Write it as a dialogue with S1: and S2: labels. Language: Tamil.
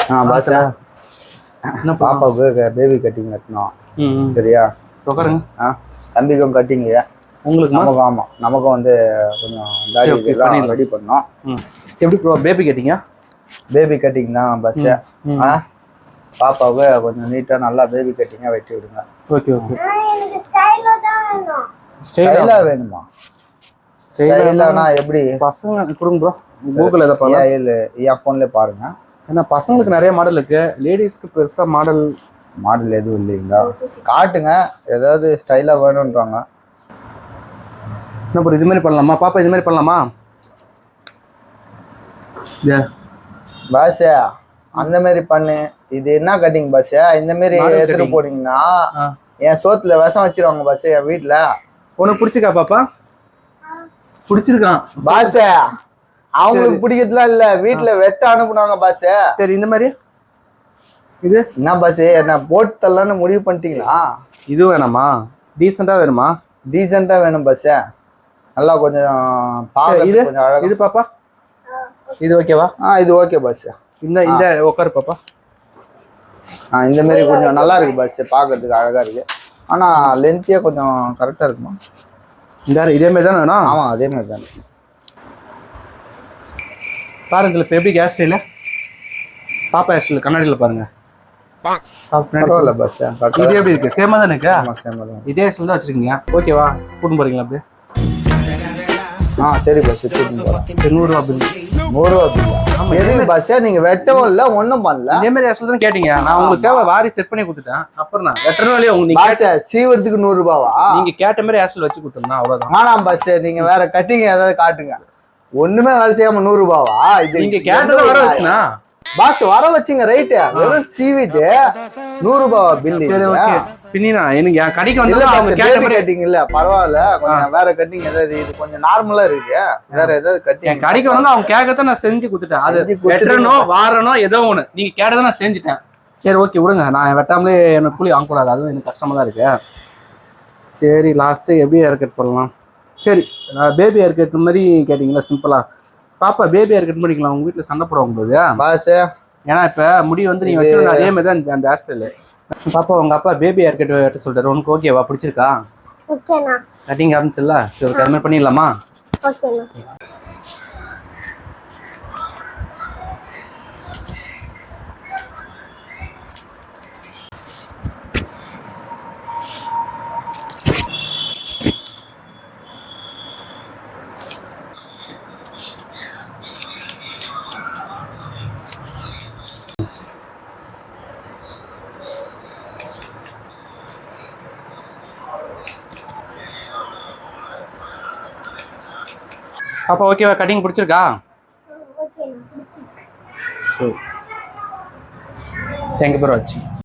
S1: பாஸ் என்ன பாப்பாவுக்கு பேபி கட்டிங் கட்டணும். சரியா உட்காருங்க. தம்பிக்கும் கட்டிங்க உங்களுக்கு. நமக்கும் ஆமாம், நமக்கும் வந்து கொஞ்சம் தாடி ரெடி பண்ணோம்.
S2: எப்படி ப்ரோ பேபி கட்டிங்க? பேபி
S1: கட்டிங் தான் பஸ். பாப்பாவுக்கு கொஞ்சம் நீட்டாக நல்லா பேபி கட்டிங்காக வெட்டி விடுங்க.
S2: Okay okay.
S1: ஸ்டைலாக வேணுமா? ஸ்டைலானா எப்படி?
S2: பசங்க கொடுங்க ப்ரோ. கூகுள் எதை பாருங்க,
S1: என் ஃபோன்லேயே பாருங்க.
S2: ஏன்னா பசங்களுக்கு நிறைய மாடல் இருக்கு, லேடிஸ்க்கு பெருசாக மாடல்
S1: எதுவும் இல்லைங்களா? காட்டுங்க, ஏதாவது ஸ்டைலாக வேணுன்றாங்க.
S2: என்ன ப்ரோ இது மாதிரி பண்ணலாமா? பாப்பா இது மாதிரி பண்ணலாமா?
S1: பாஸ் அந்த மாதிரி பண்ணு. இது என்ன கட்டிங் பாஸ்? இந்த மாதிரி எடுத்துட்டு போனீங்கன்னா என் சோத்துல விஷம் வச்சிருவாங்க பாஸ். என் வீட்டுல
S2: உனக்கு பிடிச்சிருக்கா பாப்பா? பிடிச்சிருக்கான்
S1: பாஸ். அவங்களுக்கு பிடிக்கிறதுலாம் இல்ல, வீட்டுல வெட்ட அனுப்புனாங்க பாஸ்.
S2: சரி இந்த மாதிரி இது
S1: என்ன பாஸ், என்ன போட்டு தரலான்னு முடிவு பண்ணிட்டீங்களா?
S2: இது வேணாமா? டீசெண்டா வேணுமா?
S1: டீசெண்டா வேணும் பாஸ். நல்லா கொஞ்சம்
S2: இது கொஞ்சம் அழகா. இது பாப்பா இது ஓகேவா?
S1: இது ஓகே பாஸ்.
S2: இந்த உட்காரு பாப்பா.
S1: இந்த மாதிரி கொஞ்சம் நல்லா இருக்கு பாஸ், பார்க்கறதுக்கு அழகா இருக்கு. ஆனா லென்த்தியா கொஞ்சம் கரெக்டா இருக்குமா?
S2: இதே மாதிரி தானே வேணும்?
S1: ஆமா அதே மாதிரி தான்
S2: பாருங்க. இப்போ எப்படி கேஸ் ஸ்டைல பாப்பா ஹேர் ஸ்டைல் கண்ணாடியில் பாருங்க.
S1: பரவாயில்ல பாஸ்.
S2: இது எப்படி இருக்கு? சேமா தானே இருக்கு?
S1: ஆமா சேமா தான்.
S2: இதே ஹேர் தான் வச்சிருக்கீங்க. ஓகேவா? கூட்டின்னு போறீங்களா அப்படியே?
S1: சரி பாஸ் கூட்டின்னு போறேன்.
S2: 100 ரூபா பில்.
S1: 100 ரூபா பில் எதுக்கு பாஸ்? நீங்க வெட்டவும் இல்ல ஒன்றும் பண்ணல.
S2: இதே மாதிரி ஹேர் ஸ்டைல் தான் கேட்டீங்க. நான் உங்களுக்கு தேவை வாரி செட் பண்ணி கொடுத்துட்டேன். அப்புறம் நான் வெட்டணும் இல்லையா உங்களுக்கு?
S1: பாஸ் சீவரத்துக்கு 100 ரூபாவா?
S2: நீங்க கேட்ட மாதிரி ஹேர் ஸ்டைல் வச்சு கொடுத்துருந்தா அவ்வளவுதான்.
S1: ஆனாம் பாஸ், நீங்க வேற கட்டிங் ஏதாவது காட்டுங்க. ஒண்ணுமே வேலை செய்யாம 100 ரூபாவா? இது
S2: நீங்க கேட்டதை வர வச்சுனா
S1: பாஸ் வர வச்சுங்க. ரைட், வெறும் சீவிட்டு 100 ரூபாவா பில்?
S2: சரி ஓகே. பின்னினா எனக்கு என் கடைக்கு வந்து
S1: அவங்க கேட்ட மாதிரி கட்டிங் இல்ல, பரவாயில்ல. கொஞ்சம் வேற கட்டிங் ஏதாவது, இது கொஞ்சம் நார்மலா இருக்கு. வேற ஏதாவது கட்டிங்
S2: என் கடைக்கு வந்து அவங்க கேட்கறத நான் செஞ்சு கொடுத்துட்டேன். அது வெட்டணும் வாரணும் ஏதோ ஒண்ணு நீங்க கேட்டதை நான் செஞ்சுட்டேன். சரி ஓகே விடுங்க. நான் வெட்டாமலே எனக்கு கூலி வாங்கக்கூடாது, அதுவும் எனக்கு கஷ்டமா தான் இருக்கு. சரி லாஸ்ட் எப்படி ஹேர் கட் பண்ணலாம்? சரி பேபி ஹேர் கட் மாதிரி கேட்டீங்களா? சிம்பிளா பாப்பா பேபி ஹேர் கட் பண்ணிக்கலாம். உங்க வீட்டுல சண்டை போடுவாங்க போது
S1: பாஸ்.
S2: ஏன்னா இப்ப முடி வந்து நீங்க வச்சு அதே மாதிரி தான் அந்த ஹேர் ஸ்டைல். பாப்பா உங்க அப்பா பேபி ஹேர் கட் வெட்ட சொல்றாரு. உனக்கு ஓகேவா? பிடிச்சிருக்கா?
S3: ஓகேண்ணா.
S2: கட்டிங் ஆரம்பிச்சிடல? சரி அது மாதிரி பண்ணிடலாமா?
S3: ஓகேண்ணா.
S2: பாப்பா ஓகேவா? கட்டிங் பிடிச்சிருக்கா?
S3: ஓகேண்ணா.
S2: ஸோ தேங்க்யூ ஃபார் வாட்சிங்.